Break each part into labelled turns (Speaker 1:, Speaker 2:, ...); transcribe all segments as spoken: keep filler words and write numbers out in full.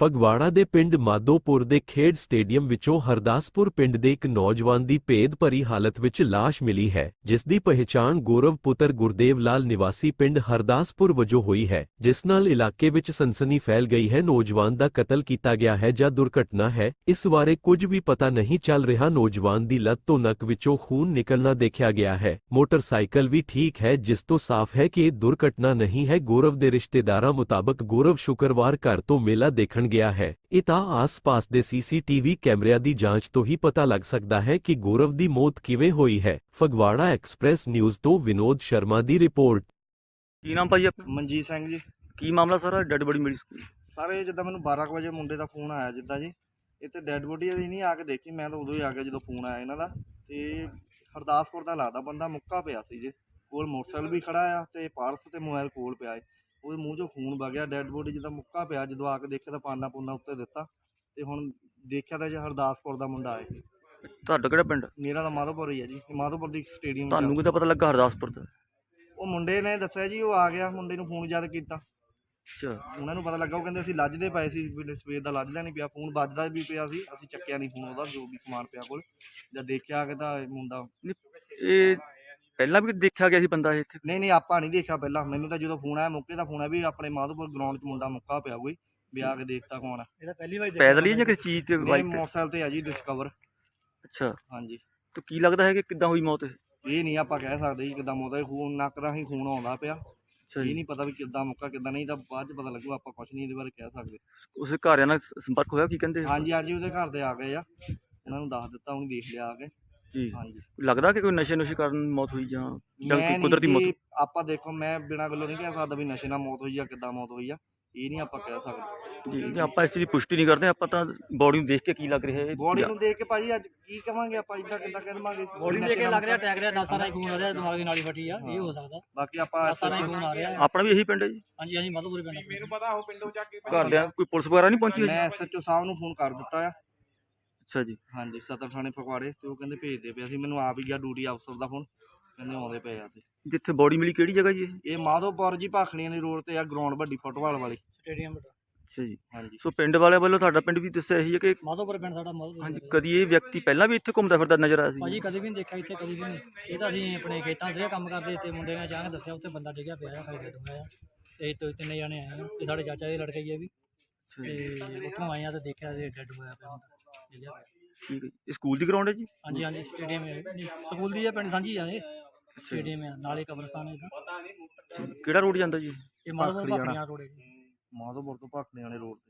Speaker 1: ਫਗਵਾੜਾ ਦੇ ਪਿੰਡ ਮਾਧੋਪੁਰ ਦੇ ਖੇਡ ਸਟੇਡੀਅਮ ਵਿੱਚੋਂ ਹਰਦਾਸਪੁਰ ਪਿੰਡ ਦੇ ਇੱਕ ਨੌਜਵਾਨ ਦੀ ਭੇਦ ਭਰੀ ਹਾਲਤ ਵਿੱਚ ਲਾਸ਼ ਮਿਲੀ ਹੈ, ਜਿਸ ਦੀ ਪਹਿਚਾਣ ਗੌਰਵ ਪੁੱਤਰ ਗੁਰਦੇਵ ਲਾਲ ਨਿਵਾਸੀ ਪਿੰਡ ਹਰਦਾਸਪੁਰ ਵਜੋਂ ਹੋਈ ਹੈ, ਜਿਸ ਨਾਲ ਇਲਾਕੇ ਵਿੱਚ ਸਨਸਨੀ ਫੈਲ ਗਈ ਹੈ। ਨੌਜਵਾਨ ਦਾ ਕਤਲ ਕੀਤਾ ਗਿਆ ਹੈ ਜਾਂ ਦੁਰਘਟਨਾ ਹੈ, ਇਸ ਬਾਰੇ ਕੁਝ ਵੀ ਪਤਾ ਨਹੀਂ ਚੱਲ ਰਿਹਾ। ਨੌਜਵਾਨ ਦੀ ਲੱਤ ਤੋਂ ਨੱਕ ਵਿੱਚੋਂ ਖੂਨ ਨਿਕਲਣਾ ਦੇਖਿਆ ਗਿਆ ਹੈ। ਮੋਟਰਸਾਈਕਲ ਵੀ ਠੀਕ ਹੈ, ਜਿਸ ਤੋਂ ਸਾਫ਼ ਹੈ ਕਿ ਇਹ ਦੁਰਘਟਨਾ ਨਹੀਂ ਹੈ। ਗੌਰਵ ਦੇ ਰਿਸ਼ਤੇਦਾਰਾਂ ਮੁਤਾਬਕ ਗੌਰਵ ਸ਼ੁੱਕਰਵਾਰ ਘਰ ਤੋਂ ਮੇਲਾ ਦੇਖਣ ਗਿਆ ਹੈ। ਇਹ ਤਾਂ ਆਸ-ਪਾਸ ਦੇ ਸੀਸੀਟੀਵੀ ਕੈਮਰਿਆਂ ਦੀ ਜਾਂਚ ਤੋਂ ਹੀ ਪਤਾ ਲੱਗ ਸਕਦਾ ਹੈ ਕਿ ਗੌਰਵ ਦੀ ਮੌਤ ਕਿਵੇਂ ਹੋਈ ਹੈ। ਫਗਵਾੜਾ ਐਕਸਪ੍ਰੈਸ ਨਿਊਜ਼ ਤੋਂ ਵਿਨੋਦ ਸ਼ਰਮਾ ਦੀ ਰਿਪੋਰਟ।
Speaker 2: ਕੀ ਨਾਮ ਭਾਈ ਆਪਣਾ?
Speaker 3: ਮਨਜੀਤ ਸਿੰਘ ਜੀ।
Speaker 2: ਕੀ ਮਾਮਲਾ ਸਾਰਾ? ਡੈਡ ਬੋਡੀ ਮਿਲੀ ਸਕੂਲ
Speaker 3: ਸਾਰੇ ਜਿੱਦਾਂ ਮੈਨੂੰ ਬਾਰਾਂ ਕੁ ਵਜੇ ਮੁੰਡੇ ਦਾ ਫੋਨ ਆਇਆ ਜਿੱਦਾਂ ਜੀ, ਇੱਥੇ ਡੈਡ ਬੋਡੀ ਅਸੀਂ ਨਹੀਂ ਆ ਕੇ ਦੇਖੀ, ਮੈਂ ਤਾਂ ਉਦੋਂ ਹੀ ਆ ਗਿਆ ਜਦੋਂ ਫੋਨ ਆਇਆ ਇਹਨਾਂ ਦਾ। ਤੇ ਹਰਦਾਸਪੁਰ ਦਾ ਲੱਗਦਾ ਬੰਦਾ ਮੁੱਕਾ ਪਿਆ ਸੀ ਜੀ, ਕੋਲ ਮੋਟਰਸਾਈਕਲ ਵੀ ਖੜਾ ਆ ਤੇ ਪਰਸ ਤੇ ਮੋਬਾਈਲ ਕੋਲ ਪਿਆ ਏ। ਉਹਦੇ ਮੂੰਹ 'ਚੋਂ ਖੂਨ ਵਗਿਆ, ਡੈਡ ਬੋਡੀ ਜਿੱਦਾਂ ਮੁੱਕਾ ਪਿਆ। ਜਦੋਂ ਆ ਕੇ ਦੇਖਿਆ ਤਾਂ ਪਾਨਾ ਪੂਨਾ ਉੱਤੇ ਦਿੱਤਾ ਤੇ ਹੁਣ ਦੇਖਿਆ ਤਾਂ ਜੀ ਹਰਦਾਸਪੁਰ ਦਾ ਮੁੰਡਾ ਹੈ।
Speaker 2: ਤੁਹਾਡਾ ਕਿਹੜਾ ਪਿੰਡ?
Speaker 3: ਮੇਰਾ ਤਾਂ ਮਾਧੋਪੁਰ ਹੀ ਹੈ ਜੀ, ਮਾਧੋਪੁਰ ਦੀ ਸਟੇਡੀਅਮ।
Speaker 2: ਤੁਹਾਨੂੰ ਕਿੱਦਾਂ ਪਤਾ ਲੱਗਾ ਹਰਦਾਸਪੁਰ ਦਾ?
Speaker 3: ਉਹ ਮੁੰਡੇ ਨੇ ਦੱਸਿਆ ਜੀ, ਉਹ ਆ ਗਿਆ, ਮੁੰਡੇ ਨੂੰ ਫੋਨ ਜਦ ਕੀਤਾ
Speaker 2: ਅੱਛਾ,
Speaker 3: ਉਹਨਾਂ ਨੂੰ ਪਤਾ ਲੱਗਾ। ਉਹ ਕਹਿੰਦੇ ਅਸੀਂ ਲੱਜਦੇ ਪਏ ਸੀ, ਸਵੇਰ ਦਾ ਲੱਜਦਾ ਨਹੀਂ ਪਿਆ, ਫੋਨ ਵੱਜਦਾ ਵੀ ਪਿਆ ਸੀ, ਅਸੀਂ ਚੱਕਿਆ ਨਹੀਂ ਫੋਨ ਉਹਦਾ, ਜੋ ਵੀ ਸਮਾਨ ਪਿਆ ਕੋਲ। ਜਦ ਦੇਖਿਆ ਆ ਕੇ ਤਾਂ ਇਹ ਮੁੰਡਾ
Speaker 2: ਇਹ ਪਹਿਲਾਂ ਵੀ ਦੇਖਿਆ ਗਿਆ ਸੀ ਬੰਦਾ ਇੱਥੇ?
Speaker 3: ਨਹੀਂ ਨਹੀਂ ਆਪਾਂ ਨਹੀਂ ਦੇਖਿਆ ਪਹਿਲਾਂ, ਮੈਨੂੰ ਤਾਂ ਜਦੋਂ ਫੋਨ ਆਇਆ ਮੌਕੇ ਦਾ ਫੋਨ ਆਇਆ ਵੀ ਆਪਣੇ ਮਾਧੋਪੁਰ ਗਰਾਊਂਡ 'ਚ ਮੁੰਡਾ ਮੁੱਕਾ ਪਿਆ ਕੋਈ, ਵੀ ਆ ਕੇ ਦੇਖਤਾ ਕੌਣ ਆ।
Speaker 2: ਇਹਦਾ ਪਹਿਲੀ ਵਾਰ ਪੈਦਲ ਹੀ ਜਾਂ ਕਿਸੇ ਚੀਜ਼ ਤੇ?
Speaker 3: ਬਾਈਕ ਮੋਟਰਸਾਈਕਲ ਤੇ ਆ ਜੀ, ਡਿਸਕਵਰ।
Speaker 2: ਅੱਛਾ,
Speaker 3: ਹਾਂਜੀ।
Speaker 2: ਤੇ ਕੀ ਲੱਗਦਾ ਹੈ ਕਿ ਕਿੱਦਾਂ ਹੋਈ ਮੌਤ?
Speaker 3: ਇਹ ਨਹੀਂ ਆਪਾਂ ਕਹਿ ਸਕਦੇ ਜੀ ਕਿੱਦਾਂ ਮੌਤ ਹੈ, ਖੂਨ ਨੱਕ ਰਾਹੀਂ ਖੂਨ ਆਉਂਦਾ ਪਿਆ। ਇਹ ਨਹੀਂ ਪਤਾ ਵੀ ਕਿੱਦਾਂ ਮੁੱਕਾ ਕਿੱਦਾਂ ਨਹੀਂ, ਤਾਂ ਬਾਅਦ 'ਚ ਪਤਾ ਲੱਗੂ, ਆਪਾਂ ਕੁਛ ਨਹੀਂ ਇਹਦੇ ਬਾਰੇ ਕਹਿ ਸਕਦੇ।
Speaker 2: ਉਸੇ ਘਰਿਆਂ ਨਾਲ ਸੰਪਰਕ ਹੋਇਆ? ਕੀ ਕਹਿੰਦੇ?
Speaker 3: ਹਾਂਜੀ ਹਾਂਜੀ, ਉਹਦੇ ਘਰ ਦੇ ਆ ਗਏ ਆ, ਉਹਨਾਂ ਨੂੰ ਦੱਸ ਦਿੱਤਾ, ਉਹਨੂੰ ਦੇਖ ਲਿਆ ਆ ਕੇ
Speaker 2: ਜੀ।
Speaker 3: ਹਾਂਜੀ।
Speaker 2: ਲੱਗਦਾ ਕਿ ਕੋਈ ਨਸ਼ੇ ਨੁਸ਼ੇ ਕਾਰਨ ਮੌਤ ਹੋਈ ਜਾਂ ਜਾਂ
Speaker 3: ਮੈਂ
Speaker 2: ਕੋਈ ਕੁਦਰਤੀ ਮੌਤ?
Speaker 3: ਆਪਾਂ ਦੇਖੋ, ਮੈਂ ਬਿਨਾਂ ਗੱਲੋਂ ਨਹੀਂ ਕਹਿ ਸਕਦਾ ਵੀ ਨਸ਼ੇ ਨਾਲ ਮੌਤ ਹੋਈ ਆ ਕਿੱਦਾਂ ਮੌਤ ਹੋਈ ਆ, ਇਹ ਨਹੀਂ ਆਪਾਂ ਕਹਿ ਸਕਦੇ
Speaker 2: ਜੀ ਜੀ। ਆਪਾਂ ਇਸ ਚੀਜ਼ ਦੀ ਪੁਸ਼ਟੀ ਨਹੀਂ ਕਰਦੇ, ਆਪਾਂ ਤਾਂ ਬੋਡੀ ਨੂੰ ਦੇਖ ਕੇ ਕੀ ਲੱਗ ਰਿਹਾ ਹੈ।
Speaker 3: ਬੋਡੀ ਨੂੰ ਦੇਖ ਕੇ ਭਾਜੀ ਅੱਜ ਕੀ ਕਵਾਂਗੇ ਆਪਾਂ, ਇੱਦਾਂ ਕਿੱਦਾਂ ਕਹਿ ਦੇਵਾਂਗੇ?
Speaker 4: ਬੋਡੀ ਦੇਖ ਕੇ ਲੱਗ ਰਿਹਾ ਟੈਗ ਰਿਹਾ, ਨਸਾਂ ਨਾਲ ਖੂਨ ਆ ਰਿਹਾ, ਦਿਮਾਗ ਦੀ ਨਾਲੀ ਫਟੀ ਆ, ਇਹ ਹੋ ਸਕਦਾ।
Speaker 3: ਬਾਕੀ ਆਪਾਂ
Speaker 4: ਨਸਾਂ ਨਾਲ ਖੂਨ ਆ ਰਿਹਾ।
Speaker 2: ਆਪਣਾ ਵੀ ਇਹੀ ਪਿੰਡ ਹੈ ਜੀ?
Speaker 4: ਹਾਂਜੀ ਹਾਂਜੀ, ਮਾਧੋਪੁਰ ਪਿੰਡ। ਮੈਨੂੰ ਪਤਾ ਉਹ ਪਿੰਡੋਂ ਜਾ ਕੇ
Speaker 2: ਘਰਦਿਆਂ ਕੋਈ ਪੁਲਿਸ ਵਗੈਰਾ ਨਹੀਂ ਪਹੁੰਚੀ?
Speaker 3: ਮੈਂ ਐਸਐਚਓ ਸਾਹਿਬ ਨੂੰ ਫੋਨ ਕਰ ਦਿੱਤਾ ਆ।
Speaker 2: ਅੱਛਾ ਜੀ।
Speaker 3: ਹਾਂਜੀ, ਸਦਰ ਥਾਣੇ ਫਗਵਾੜੇ, ਤੇ ਉਹ ਕਹਿੰਦੇ ਭੇਜਦੇ ਪਏ ਸੀ, ਮੈਨੂੰ ਆਪ ਹੀ ਗਿਆ ਡਿਊਟੀ ਅਫਸਰ ਦਾ ਫੋਨ, ਕਹਿੰਦੇ ਆਉਂਦੇ ਪਏ ਆ। ਤੇ
Speaker 2: ਜਿੱਥੇ ਬੋਡੀ ਮਿਲੀ ਕਿਹੜੀ ਜਗ੍ਹਾ ਜੀ?
Speaker 3: ਇਹ ਮਾਧੋਪੁਰ ਜੀ, ਭਾਖੜੀਆਂ ਦੀ ਰੋਡ ਤੇ ਆ, ਗਰਾਊਂਡ ਵੱਡੀ ਫੁੱਟਬਾਲ ਵਾਲੀ
Speaker 4: ਸਟੇਡੀਅਮ।
Speaker 2: ਅੱਛਾ ਜੀ।
Speaker 3: ਹਾਂਜੀ।
Speaker 2: ਸੋ ਪਿੰਡ ਵਾਲਿਆਂ ਵੱਲੋਂ ਤੁਹਾਡਾ ਪਿੰਡ ਵੀ ਦੱਸਿਆ ਇਹੀ ਹੈ ਕਿ
Speaker 4: ਮਾਧੋਪੁਰ ਪਿੰਡ ਸਾਡਾ ਮਾਧੋਪੁਰ।
Speaker 2: ਹਾਂਜੀ, ਕਦੀ ਇਹ ਵਿਅਕਤੀ ਪਹਿਲਾਂ ਵੀ ਇੱਥੇ ਘੁੰਮਦਾ ਫਿਰਦਾ ਨਜ਼ਰ ਆਇਆ ਸੀ?
Speaker 4: ਭਾਜੀ ਕਦੇ ਵੀ ਨਹੀਂ ਦੇਖਿਆ ਇੱਥੇ, ਕਦੀ ਵੀ ਨਹੀਂ। ਇਹ ਤਾਂ ਅਸੀਂ ਆਪਣੇ ਖੇਤਾਂ 'ਚ ਕੰਮ ਕਰਦੇ ਤੇ ਮੁੰਡੇ ਨੇ ਅਚਾਨਕ ਦੱਸਿਆ ਉੱਥੇ ਬੰਦਾ ਡਿੱਗਿਆ ਪਿਆ ਆ, ਖਾਈ ਡੁੱਬਿਆ ਆ। ਤੇ ਤੋਂ ਤਿੰਨੇ ਜਾਣੇ ਆਏ ਆ, ਤੇ ਸਾਡੇ ਚਾਚਾ ਦੇ ਲੜਕੇ ਹੀ ਆ ਵੀ, ਤੇ ਉੱਥੋਂ ਆਏ ਆ ਤੇ ਦੇਖਿਆ ਤੇ ਡੈਡ ਹੋਇਆ ਪਿਆ ਹੁੰਦਾ, ਡਿੱਗਿਆ ਪਿਆ।
Speaker 2: ਠੀਕ ਹੈ। ਇਹ ਸਕੂਲ ਦੀ ਗਰਾਊਂਡ ਹੈ ਜੀ?
Speaker 4: ਹਾਂਜੀ ਹਾਂਜੀ, ਸਟੇਡੀਅਮ ਹੈ, ਸਕੂਲ ਦੀ ਆ, ਪਿੰਡ ਸਾਂਝੀ ਆ, ਇਹ ਸਟੇਡੀਅਮ ਆ, ਨਾਲੇ ਕਬਰਸਤਾਨ ਹੈ।
Speaker 2: ਕਿਹੜਾ ਰੋਡ ਜਾਂਦਾ ਜੀ?
Speaker 4: ਇਹ ਮਾਧੋਪੁਰ ਭਾਖੜੀਆਂ ਰੋਡ ਹੈ ਜੀ,
Speaker 3: ਮਾਧੋਪੁਰ ਤੋਂ ਭਾਖੜੀਆਂ ਵਾਲੇ ਰੋਡ ਤੇ।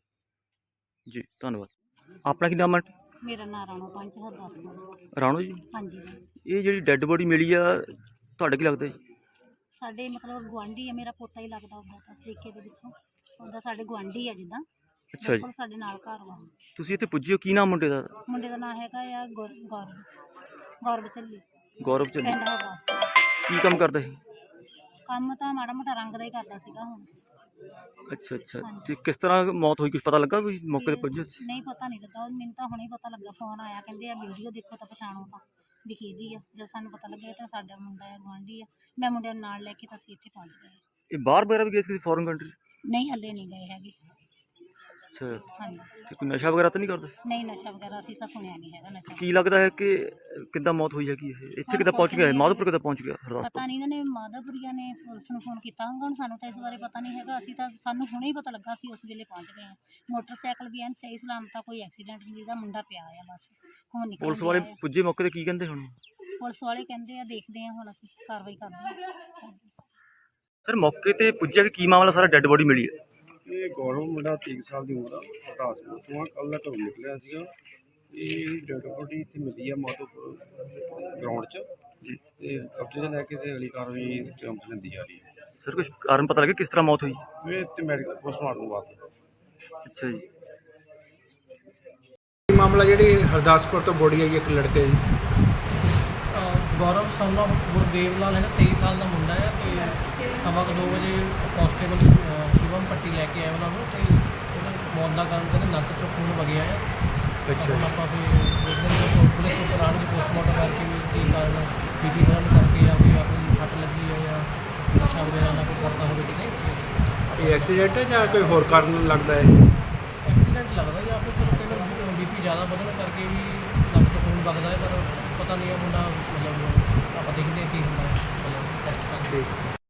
Speaker 2: ਜੀ ਧੰਨਵਾਦ। ਆਪਣਾ ਕੀ ਨਾਮ ਹੈ?
Speaker 5: ਮੇਰਾ ਨਾਂ ਰਾਣੋ ਪੰਚ ਹਰਦਾਸਪੁਰ।
Speaker 2: ਰਾਣੋ ਜੀ।
Speaker 5: ਹਾਂਜੀ।
Speaker 2: ਇਹ ਜਿਹੜੀ ਡੈੱਡ ਬੋਡੀ ਮਿਲੀ ਆ, ਤੁਹਾਡਾ ਕੀ ਲੱਗਦਾ ਜੀ?
Speaker 5: ਸਾਡੇ ਮਤਲਬ ਗੁਆਂਢੀ ਆ, ਮੇਰਾ ਪੋਤਾ ਹੀ ਲੱਗਦਾ ਉਹਦਾ, ਤਾਂ ਤਰੀਕੇ ਦੇ ਵਿੱਚੋਂ ਉਹਦਾ ਸਾਡੇ ਗੁਆਂਢੀ ਆ ਜਿੱਦਾਂ।
Speaker 2: ਅੱਛਾ ਜੀ।
Speaker 5: ਸਾਡੇ ਨਾਲ ਘਰ ਵਾ।
Speaker 2: ਤੁਸੀਂ ਇੱਥੇ ਪੁੱਜੇ ਹੋ, ਕੀ ਨਾਮ ਮੁੰਡੇ ਦਾ?
Speaker 5: ਮੁੰਡੇ ਦਾ ਨਾਂ ਹੈਗਾ ਆ ਗੌਰ ਗੌਰਵ ਗੌਰਵ ਚੱਲੀ,
Speaker 2: ਗੌਰਵ ਚੱਲੀ।
Speaker 5: ਪਿੰਡ ਹਰਦਾਸਪੁਰ।
Speaker 2: ਕੀ ਕੰਮ ਕਰਦਾ ਸੀ?
Speaker 5: ਕੰਮ ਤਾਂ ਮਾੜਾ ਮੋਟਾ ਰੰਗ ਦਾ ਹੀ ਕਰਦਾ ਸੀਗਾ ਹੁਣ।
Speaker 2: ਅੱਛਾ ਅੱਛਾ। ਤੇ ਕਿਸ ਤਰ੍ਹਾਂ ਮੌਤ ਹੋਈ, ਕੁਝ ਪਤਾ ਲੱਗਾ? ਕੋਈ ਮੌਕੇ ਤੇ ਪੁੱਜੇ?
Speaker 5: ਨਹੀਂ ਪਤਾ ਨਹੀਂ ਲੱਗਾ, ਮੈਨੂੰ ਤਾਂ ਹੁਣੇ ਪਤਾ ਲੱਗਾ, ਫੋਨ ਆਇਆ, ਕਹਿੰਦੇ ਆ ਵੀਡੀਓ ਦੇਖੋ ਤਾਂ ਪਛਾਣੋ ਤਾਂ ਵੀ ਕਿਹਦੀ ਆ। ਜਦ ਸਾਨੂੰ ਪਤਾ ਲੱਗਿਆ ਤਾਂ ਸਾਡਾ ਮੁੰਡਾ ਆ, ਗੁਆਂਢੀ ਆ। ਮੈਂ ਮੁੰਡਿਆਂ ਨੂੰ ਨਾਲ ਲੈ ਕੇ ਤਾਂ ਅਸੀਂ ਇੱਥੇ ਪਹੁੰਚ ਗਏ।
Speaker 2: ਇਹ ਬਾਹਰ ਵਗੈਰਾ ਵੀ ਗਏ ਸੀ ਕਿਸੇ ਫੋਰਨ ਕੰਟਰੀ?
Speaker 5: ਨਹੀਂ ਹੱਲੇ ਨਹੀਂ ਗਏ ਹੈਗੇ।
Speaker 2: ਅੱਛਾ।
Speaker 5: ਹਾਂਜੀ।
Speaker 2: ਤੇ ਕੋਈ ਨਸ਼ਾ ਵਗੈਰਾ ਤਾਂ ਨਹੀਂ ਕਰਦੇ?
Speaker 5: ਨਹੀਂ ਨਸ਼ਾ ਵਗੈਰਾ ਅਸੀਂ ਤਾਂ ਸੁਣਿਆ ਨਹੀਂ ਹੈਗਾ ਨਸ਼ਾ।
Speaker 2: ਕੀ ਲੱਗਦਾ ਹੈ ਕਿ ਕਿੱਦਾਂ ਮੌਤ ਹੋਈ ਹੈਗੀ ਇਹ? ਇੱਥੇ ਕਿੱਦਾਂ ਪਹੁੰਚ ਗਿਆ? ਮਾਧੋਪੁਰ ਕਿੱਦਾਂ ਪਹੁੰਚ ਗਿਆ? ਹਰਦਾਸਪੁਰ
Speaker 5: ਪਤਾ ਨਹੀਂ, ਇਹਨਾਂ ਨੇ ਮਾਧੋਪੁਰੀਆਂ ਨੇ ਪੁਲਿਸ ਨੂੰ ਫੋਨ ਕੀਤਾ ਹੋਊਗਾ, ਹੁਣ ਸਾਨੂੰ ਤਾਂ ਇਸ ਬਾਰੇ ਪਤਾ ਨਹੀਂ ਹੈਗਾ। ਅਸੀਂ ਤਾਂ ਸਾਨੂੰ ਹੁਣੇ ਹੀ ਪਤਾ ਲੱਗਾ, ਅਸੀਂ ਉਸ ਵੇਲੇ ਪਹੁੰਚ ਗਏ ਹਾਂ। ਮੋਟਰਸਾਈਕਲ ਵੀ ਐਨ ਸਹੀ ਸਲਾਮਤ, ਕੋਈ ਐਕਸੀਡੈਂਟ ਨਹੀਂ, ਜਿਹਦਾ ਮੁੰਡਾ ਪਿਆ ਆ ਬਸ ਹੁਣ ਨਿਕਲ।
Speaker 2: ਪੁਲਿਸ ਵਾਲੇ ਪੁੱਜੇ ਮੌਕੇ ਤੇ, ਕੀ ਕਹਿੰਦੇ ਹੁਣ?
Speaker 5: ਪੁਲਿਸ ਵਾਲੇ ਕਹਿੰਦੇ ਆ ਦੇਖਦੇ ਆ, ਹੁਣ ਅਸੀਂ ਕਾਰਵਾਈ ਕਰਦੇ ਹਾਂ।
Speaker 2: ਸਰ ਮੌਕੇ ਤੇ ਪੁੱਜਿਆ ਕਿ ਕੀ ਮਾਮਲਾ ਸਾਰਾ? ਡੈੱਡ ਬੋਡੀ ਮਿਲੀ ਹੈ?
Speaker 6: ਇਹ ਗੌਰਵ ਮੁੰਡਾ ਤੀਹ ਸਾਲ ਦੀ ਉਮਰ ਆ, ਹਰਦਾਸਪੁਰ ਤੋਂ ਆ, ਕੱਲ੍ਹ ਦਾ ਘਰੋਂ ਨਿਕਲਿਆ ਸੀਗਾ। ਇਹ ਡੈਡ ਬੋਡੀ ਇੱਥੇ ਮਿਲੀ ਆ ਮਾਧੋਪੁਰ ਗਰਾਊਂਡ 'ਚ ਜੀ, ਤੇ ਕਬਜ਼ੇ 'ਚ ਲੈ ਕੇ ਤੇ ਅਗਲੀ ਕਾਰਵਾਈ ਚੰਪ ਲੈਂਦੀ ਜਾ ਰਹੀ ਹੈ।
Speaker 2: ਸਰ ਕੁਝ ਕਾਰਨ ਪਤਾ ਲੱਗਿਆ ਕਿਸ ਤਰ੍ਹਾਂ ਮੌਤ ਹੋਈ?
Speaker 6: ਇਹ ਤੇ ਮੈਡੀਕਲ ਪੋਸਟਮਾਰਟਮ ਵਾਸਤੇ।
Speaker 2: ਅੱਛਾ ਜੀ।
Speaker 7: ਮਾਮਲਾ ਜਿਹੜੀ ਹਰਦਾਸਪੁਰ ਤੋਂ ਬੋਡੀ ਆਈ ਇੱਕ ਲੜਕੇ ਦੀ,
Speaker 4: ਗੌਰਵ son of ਗੁਰਦੇਵ ਲਾਲ ਹੈਗਾ, ਤੇਈ ਸਾਲ ਦਾ ਮੁੰਡਾ ਹੈ। ਤੇ ਸਵਾ ਕੁ ਦੋ ਵਜੇ ਕਾਂਸਟੇਬਲ ਸ਼ਿਵਮ ਪੱਟੀ ਲੈ ਕੇ ਆਏ ਉਹਨਾਂ ਨੂੰ, ਤੇ ਉਹਦਾ ਮੌਤ ਦਾ ਕਾਰਨ ਕਹਿੰਦੇ ਨੱਕ 'ਚੋਂ ਖੂਨ ਵਗਿਆ ਆ। ਅੱਛਾ। ਆਪਾਂ ਫਿਰ ਦੇਖਦੇ ਹਾਂ ਪੁਲਿਸ ਨੂੰ ਕਰਾਉਣ ਦੀ ਪੋਸਟਮਾਰਟਮ ਕਰਕੇ ਵੀ ਕੀ ਕਾਰਨ, ਬੀਪੀ ਵਧਣ ਕਰਕੇ ਜਾਂ ਕੋਈ ਆਪਣੀ ਸੱਟ ਲੱਗੀ ਹੈ ਜਾਂ ਨਸ਼ਾ ਵਗੈਰਾ ਨਾਲ ਕੋਈ ਕਰਦਾ ਹੋਵੇ ਕਿਤੇ।
Speaker 7: ਇਹ ਐਕਸੀਡੈਂਟ ਹੈ ਜਾਂ ਕੋਈ ਹੋਰ ਕਾਰਨ ਲੱਗਦਾ ਹੈ?
Speaker 4: ਐਕਸੀਡੈਂਟ ਲੱਗਦਾ ਜਾਂ ਫਿਰ ਚਲੋ ਕਈ ਵਾਰ ਬੀਪੀ ਜ਼ਿਆਦਾ ਵਧਣ ਕਰਕੇ ਵੀ ਨੱਕ ਤੋਂ ਖੂਨ ਵਗਦਾ ਹੈ, ਪਰ ਪਤਾ ਨਹੀਂ ਇਹ ਮੁੰਡਾ ਮਤਲਬ ਆਪਾਂ ਦੇਖਦੇ ਹਾਂ ਕੀ ਹੁੰਦਾ ਹੈ ਮਤਲਬ ਟੈਸਟ ਕਰਕੇ।